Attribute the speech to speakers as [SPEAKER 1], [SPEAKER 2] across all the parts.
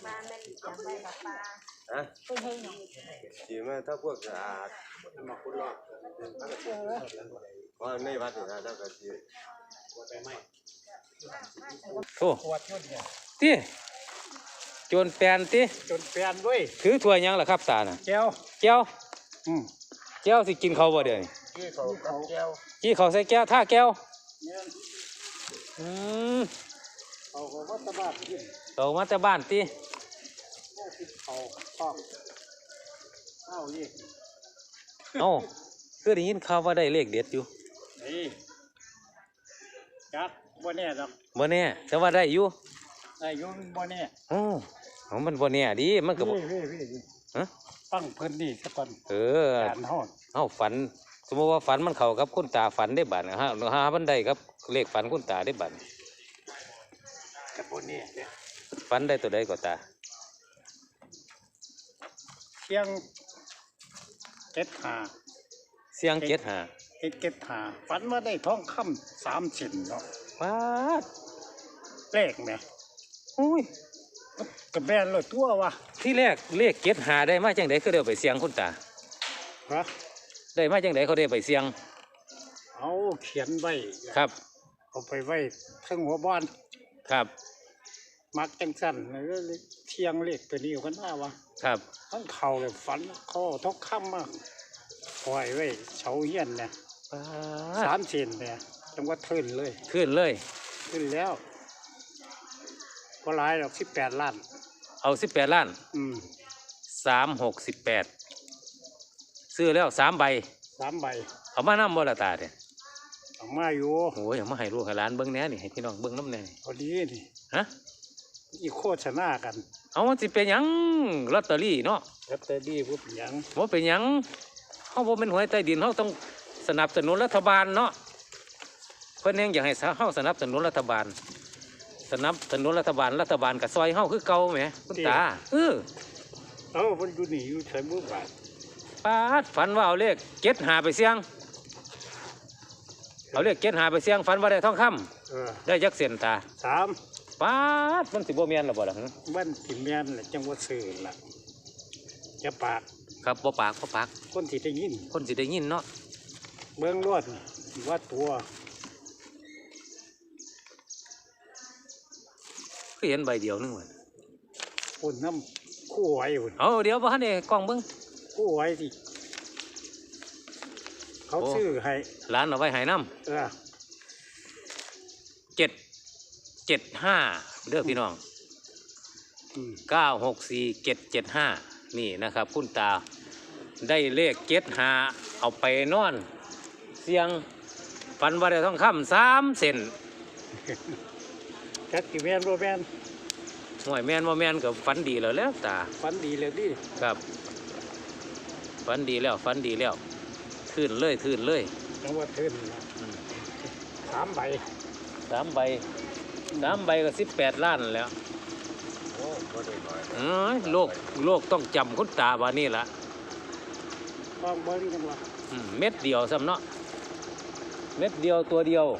[SPEAKER 1] มาแม่นอย่างไรกับปลา
[SPEAKER 2] ฮะ
[SPEAKER 1] เพิ่งเฮงเนาะ
[SPEAKER 2] สีมาถ้าพวกสะอาดมาคุณรอดว่าในวัดนี่นะถ้าเกิดสี
[SPEAKER 3] โอ้ตีโจนแปลนตี
[SPEAKER 4] จนแปลนเว้ย
[SPEAKER 3] ถือถ้วยยังล่ะครับตาน่ะ
[SPEAKER 4] แก้ว
[SPEAKER 3] แก้วแก้วสิกินเขาบ่เดี๋ยวนี้
[SPEAKER 4] กี้เขากับแก้ว
[SPEAKER 3] กี้เขาใส่แก้วท่าแก้วอืม
[SPEAKER 4] เขาก็ตะบ้านกิน
[SPEAKER 3] เขามาแต่บ้านตี
[SPEAKER 4] เขาป้องเข้าอีก
[SPEAKER 3] เอ้าคือได้ยินข่าวว่าได้เลขเด็ดอยู่
[SPEAKER 4] นี่จักบ่แน่ดอก
[SPEAKER 3] บ่แน่แต่ว่าได้อยู่
[SPEAKER 4] ได้อยู่บ่แน่
[SPEAKER 3] โอ้มันบ่แน่ดิมันก็บ่ฮะ
[SPEAKER 4] ฟังเพิ่นนี่ซะก่อนการฮอด
[SPEAKER 3] เอ้าฝันสมมติว่าฝันมันเข้ากับคุณตาฝันได้บัดฮะหามันได้ครับเลขฝันคุณตาได้บัด
[SPEAKER 4] กับบ่แน่เด้
[SPEAKER 3] ฝันได้ตัวใดก็ตา
[SPEAKER 4] เสียงเก็ดหา
[SPEAKER 3] เสียงเก็ดหา
[SPEAKER 4] เก็ดหาฝันว่าได้ทองคำ3 ชิ้นเนาะ
[SPEAKER 3] ป๊าด
[SPEAKER 4] เลขแหม
[SPEAKER 3] อุ้ย
[SPEAKER 4] ก็แม่นเลยตัววะ
[SPEAKER 3] ที่แรกเลขเก็ดหาได้มาจังได๋คือได้ไปเสียงคุณตา
[SPEAKER 4] ฮะ
[SPEAKER 3] ได้มาจังได๋เขาได้ไปเสียง
[SPEAKER 4] เอาเขียนไว้
[SPEAKER 3] ครับ
[SPEAKER 4] เอาไปไว้ทั้งหัวบ้าน
[SPEAKER 3] ครับ
[SPEAKER 4] มักจังสั่นเลยเที่ยงเลขตัวนี้กันหน้าวะ
[SPEAKER 3] ครับ
[SPEAKER 4] ทั้งเข่าเลยฝันข้อทอกค่ำมากปล่อยไว้เฉาเฮียนเนี่ย3 เซนเนี่ยจังว่าขึ้นเลย
[SPEAKER 3] ขึ้น
[SPEAKER 4] แล้วก็หลายดอก18 ล้าน
[SPEAKER 3] เอา18 ล้าน3 6 18ซื้อแล้ว3 ใบเอามานำบ่ละตาเนี่ย
[SPEAKER 4] เอามาอยู่
[SPEAKER 3] โอ้ยเอามาให้ลูกให้หลานเบิ่งแหน่นี่ให้พี่น้องเบิ่งนำแหน่
[SPEAKER 4] พอดีนี่
[SPEAKER 3] ฮะ
[SPEAKER 4] อีโคชนากัน
[SPEAKER 3] เอามันสิเป็นหยังลอตเตอรี่เนาะ
[SPEAKER 4] ลอตเตอรี่บ่เป็นหยัง
[SPEAKER 3] บ่เป็นหยังเฮาบ่เป็นหวยใต้ดินเฮาต้องสนับสนุนรัฐบาลเนาะเพิ่นเองอยากให้เฮาสนับสนุนรัฐบาลรัฐบาลก็ซอยเฮาคือเก่าแหมคุณตา
[SPEAKER 4] เพิ่นอยู่นี่อยู่ใช้มือบาท
[SPEAKER 3] ปาดฝันว่าเอาเลข75ไปเสี่ยงเอาเลข75ไปเสี่ยงฝันว่าได้ทองคำได้จักเส้นตา
[SPEAKER 4] 3
[SPEAKER 3] ปาดมันสิบ่แม่นล่ะบ่ล่ะ
[SPEAKER 4] มันสิแม่นแหละจังว่าซื้อล่ะจะปาก
[SPEAKER 3] ครับบ่ปาก
[SPEAKER 4] คนสิได้ยิน
[SPEAKER 3] เนาะ
[SPEAKER 4] เบิ่งรวดว่าตัว
[SPEAKER 3] คือเห็นใบเดียวนึงว่า
[SPEAKER 4] คนน้ำคู่ไว้พุ่น
[SPEAKER 3] เอาเดี๋ยวบ่ทันได้กล้องเบิ่ง
[SPEAKER 4] คู่ไว้สิเขาซื้อให้
[SPEAKER 3] ร้านเอาไว้ให้นำ775เด้อพี่น้อง964 775นี่นะครับคุณตาได้เลข75เอาไปนอนเสียงฝันว่าได้ทองคำ3 เซน
[SPEAKER 4] จักสิแม่นบ่แม่น
[SPEAKER 3] ห่วยแม่นบ่แม่นก็ฝันดีแล้วตา
[SPEAKER 4] ฝันดีแล้วดิ
[SPEAKER 3] ครับฝันดีแล้วขึ้นเลย
[SPEAKER 4] จังว่าขึ้น3 ใบ
[SPEAKER 3] ก็18 ล้านแล้ว
[SPEAKER 2] โอ้ก็ได้หน่
[SPEAKER 3] อยโลกต้องจำคุณตาว่านี่ล่ะ
[SPEAKER 4] ต้องเบิ่งกันว่า
[SPEAKER 3] เม็ดเดียวซ้ำเนาะเม็ดเดียวตัวเดียว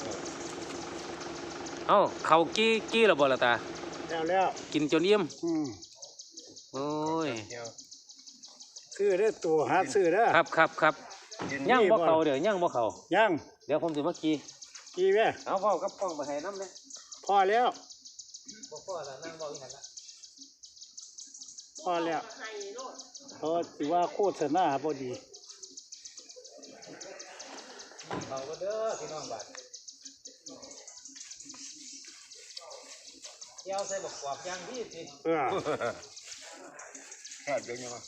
[SPEAKER 3] เอ้าเขากี้แล้วบ่ล่ะตา
[SPEAKER 4] แล้ว
[SPEAKER 3] กินจนเยี่ยมโอ้ย
[SPEAKER 4] ซื้อเด้อตัวหาซื้อเด้อ
[SPEAKER 3] ครับย่างบ่เขาเดี๋ยวย่างบ่เขา
[SPEAKER 4] ย่าง
[SPEAKER 3] เดี๋ยวผมสิมากี้
[SPEAKER 4] แม่
[SPEAKER 3] เอาพ่อกับกล้องไปให้น้ำเนี่ย
[SPEAKER 4] พอแล้ว
[SPEAKER 3] พ่อละนั่งบ่อีหันละ
[SPEAKER 4] พอแล้วสิว่าโคตรหน้าพอดี
[SPEAKER 3] เขาก็เด้อพี่น้องบัดเกี่ยวใส่บักกวาดย่างพี่สิ
[SPEAKER 2] แค่เดียวยังไง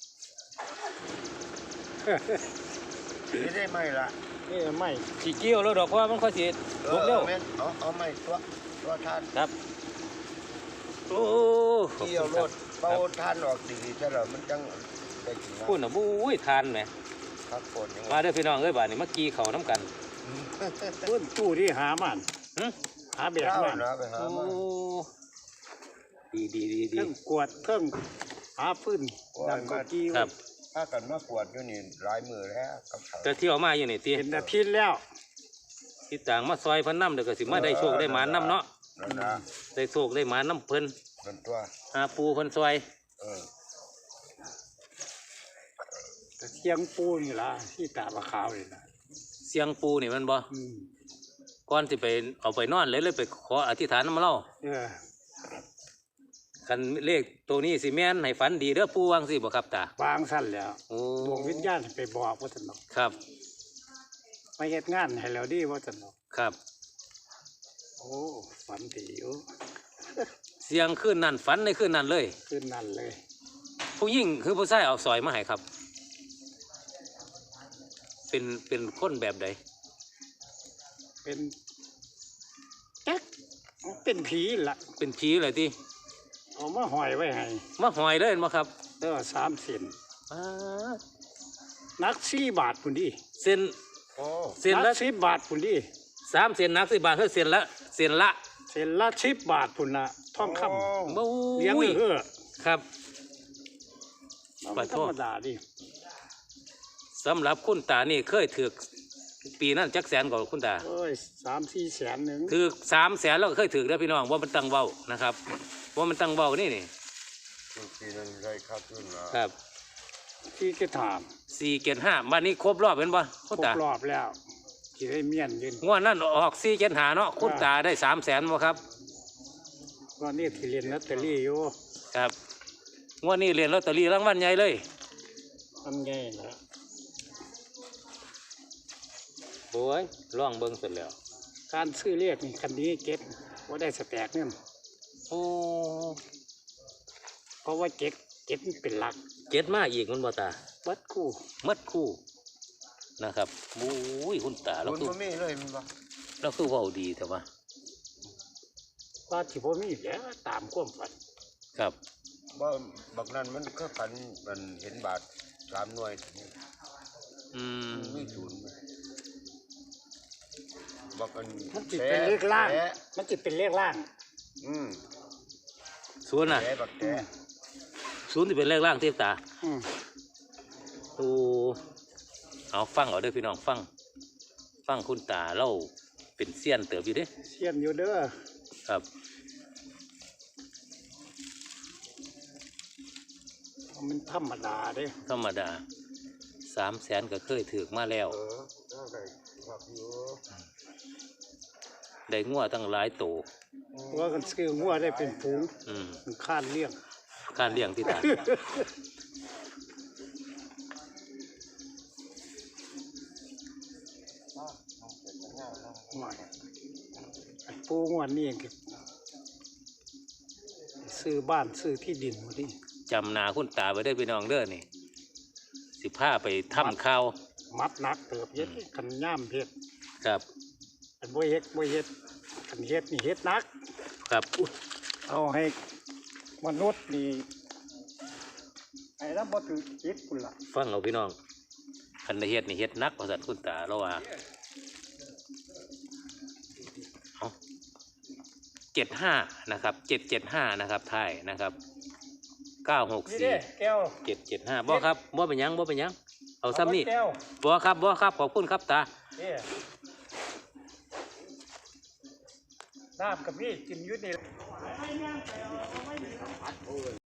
[SPEAKER 2] ได้ไหมล่ะ
[SPEAKER 4] นี่ไม่
[SPEAKER 3] สีเกี่ยวแล้วดอกเพราะมันค่อยสีลุกเร็ว
[SPEAKER 2] เอาไม่ตัวทาน
[SPEAKER 3] ครับโอ้
[SPEAKER 2] เกี่ยวรถเบาทานออกดีใช่หรอมันจังได้กิน
[SPEAKER 3] พูดนะบุ้ยทานไหม
[SPEAKER 2] ครับคน
[SPEAKER 3] มาเด้อพี่น้องเอ้ยบ้านนี้เมื่อกี้เขาน้ำกัน
[SPEAKER 4] ตู้ที่หามันหาแบบมัน
[SPEAKER 3] ดี
[SPEAKER 4] เครื่องกวดเครื่องหาฟื้นดำกะกี้
[SPEAKER 3] ครับ
[SPEAKER 2] ถ้ากันมากวดอยู่นี่หลายมือแล้ว
[SPEAKER 3] แต่ที่ออกมาอยู่นี่ตี
[SPEAKER 4] เป็นอาทิตย์แล้ว
[SPEAKER 3] ที่ต่างมาซอยพันน้ำเดี๋ยวก็สิมาได้โชคได้หมาน้ำเนาะได้โชคได้หมาน้ำเพิ่น
[SPEAKER 2] เป็นตัว
[SPEAKER 3] หาปูคนซอย
[SPEAKER 2] เออ
[SPEAKER 4] แต่เสียงปูนี่ล่ะที่ตาบะขาวนี่ล่ะ
[SPEAKER 3] เสียงปูนี่มันบ่
[SPEAKER 4] อืม
[SPEAKER 3] ก่อนสิไปเอาไปนอนเลยไปขออธิษฐานนำเล่า
[SPEAKER 4] เออ
[SPEAKER 3] คันเลขตัวนี้สิแม่นให้ฝันดีเด้อปูวางสิบ่ครับตาว
[SPEAKER 4] างสั้นแล้ว
[SPEAKER 3] โอ้
[SPEAKER 4] ดวงวิญญาณไปบอกว่าซั่นเนาะ
[SPEAKER 3] ครับ
[SPEAKER 4] มาเฮ็ดงานให้แล้วดีว่าซั่นเนาะ
[SPEAKER 3] ครับ
[SPEAKER 4] โอ้ฝันดีอยู่
[SPEAKER 3] เสียงขึ้นนั่นฝันในขึ้นนั่นเลย
[SPEAKER 4] ขึ้นนั่นเลย
[SPEAKER 3] ผู้หญิงคือผู้ชายเอาสอยมาให้ครับ เป็นคนแบบใด
[SPEAKER 4] เป็นจักเป็นผีล่ะ
[SPEAKER 3] เป็นผีเลยที่
[SPEAKER 4] เอามาห้อยไว้ให้
[SPEAKER 3] มาหอยเลยมาครับ
[SPEAKER 4] เด้อ3 เส้น
[SPEAKER 3] อ่า
[SPEAKER 4] นัก4 บาทพุ่นดิ
[SPEAKER 3] เส้น
[SPEAKER 2] โอ้
[SPEAKER 3] เส้น
[SPEAKER 4] นั
[SPEAKER 3] ละ
[SPEAKER 4] ก10 บาทพุ่นดิ
[SPEAKER 3] 3เส้นนัก10 บาทคือเส้นละเส้นละ
[SPEAKER 4] เส้นละ10 บาทพุ่นน่ะทองคำ
[SPEAKER 3] บู๊
[SPEAKER 4] เลี้ยง
[SPEAKER 3] ย
[SPEAKER 4] เด้อ
[SPEAKER 3] ครับ
[SPEAKER 4] มันธรรมดาดิ
[SPEAKER 3] สำหรับคุณตานี่เคยถือปีนั้นจักแสนกว่าคุณตา
[SPEAKER 4] เอ้ย3-4 แสนหนึง
[SPEAKER 3] ถือ3 แสนแล้วก็เคยถือแล้วพี่น้องว่ามันตั้งเบ้านะครับว่ามันตั้งเบ้านี่
[SPEAKER 2] ทุกทีนั้นได้ครับขึ้นมา
[SPEAKER 3] ครับ
[SPEAKER 4] ที่จะถาม
[SPEAKER 3] 475วันนี้ครบรอบเป็นบ่
[SPEAKER 4] คร
[SPEAKER 3] คุณ
[SPEAKER 4] บ
[SPEAKER 3] ตาร
[SPEAKER 4] อบแล้วที่ได้เมียนยืน
[SPEAKER 3] งวดนั้นออก475เนาะคุณตาได้3 แสนบ่ครับ
[SPEAKER 4] วันนี้ที่เรียนลอตเตอรี่อยู่
[SPEAKER 3] ครับงวดนี้เรียนลอตเตอรี่รางวัลใหญ่เลย
[SPEAKER 4] ทำไงนะ
[SPEAKER 3] โอ้ยล่องเบิ่งเสร็จแล้ว
[SPEAKER 4] การซื้อเรียกนี่คันนี้เก็บว่าได้สแตกเนี่ย
[SPEAKER 3] โอ้
[SPEAKER 4] เพราะว่าเก็บมันเป็นหลัก
[SPEAKER 3] เจ็ดมาอีกมันบ่ตา
[SPEAKER 4] วัดคู่
[SPEAKER 3] มัดคู่นะครับโอ้ยคุณตาเรา
[SPEAKER 2] คุณ
[SPEAKER 3] คือ
[SPEAKER 2] บ่มีเลยมันบ่
[SPEAKER 3] เราคือเว้าดีแต่ว่า
[SPEAKER 4] ว่าที่พ่มีแล้วตามความฝัน
[SPEAKER 3] ครับ
[SPEAKER 2] บ่บักนั้นมันก็ฝันมันเห็นบาท3 หน่วย
[SPEAKER 3] อืม
[SPEAKER 2] มีศูนย์ไหมบักอัน
[SPEAKER 4] มันจิเป็นเลขล่าง
[SPEAKER 2] แฉะ
[SPEAKER 4] มันจิเป็นเลขล่าง
[SPEAKER 2] อืม
[SPEAKER 3] ศูนย์น่ะ
[SPEAKER 2] แฉะบักแฉะ
[SPEAKER 3] ศูนย์ที่เป็นเลขล่างเทียบตา
[SPEAKER 4] อืม
[SPEAKER 3] โอ้เอาฟังเอาเด้อพี่น้องฟังคุณตาเล่าเป็นเซียนเติบอยู่เด้
[SPEAKER 4] เสียนอยู่เด้อ
[SPEAKER 3] ครับ
[SPEAKER 4] มันธรรมดาเด้
[SPEAKER 3] ธรรมดา3 แสนก็เคยถือมาแล้ว
[SPEAKER 2] น่าได้ครับอยู่
[SPEAKER 3] ได้งัวตั้งหลายโต
[SPEAKER 4] ว่ากันซื้องัวได้เป็นฝูง
[SPEAKER 3] อืม
[SPEAKER 4] มันคาดเลี้ยง
[SPEAKER 3] การเลี้ยงที่ตา
[SPEAKER 4] หน่อยปูงวดนี่เองก็ซื้อบ้านซื้อที่ดินหมดดิ
[SPEAKER 3] จำหนาคุณตาไปได้อพี่น้องเด้อนี่สิพาไปทำข้าว
[SPEAKER 4] มัดหนักเติบเย็ดกันย่ามเฮ็ด
[SPEAKER 3] ครับ
[SPEAKER 4] อันบ่เฮ็ดกันเฮ็ดนี่เฮ็ดหนัก
[SPEAKER 3] ครับ
[SPEAKER 4] เอาให้มนุษย์นี่ไอ้แล้วบ่ถือจิตพุ่นล่ะ
[SPEAKER 3] ฟังเอาพี่น้องคันได้เฮ็ดนี่เฮ็ดหนักว่าซั่นคุณตาเราว่าเอา75นะครับ775นะครับท้ายนะครับ
[SPEAKER 4] นี่เด้
[SPEAKER 3] 964
[SPEAKER 4] แก้ว
[SPEAKER 3] 775บ่ครับบ่เป็นหยังบ่เป็นหยังเอาซ้ำนี่
[SPEAKER 4] แก้ว
[SPEAKER 3] บ่ครับบ่ครับขอบคุณครับตา
[SPEAKER 4] นี่น้ำกับพี่กินอยู่นี่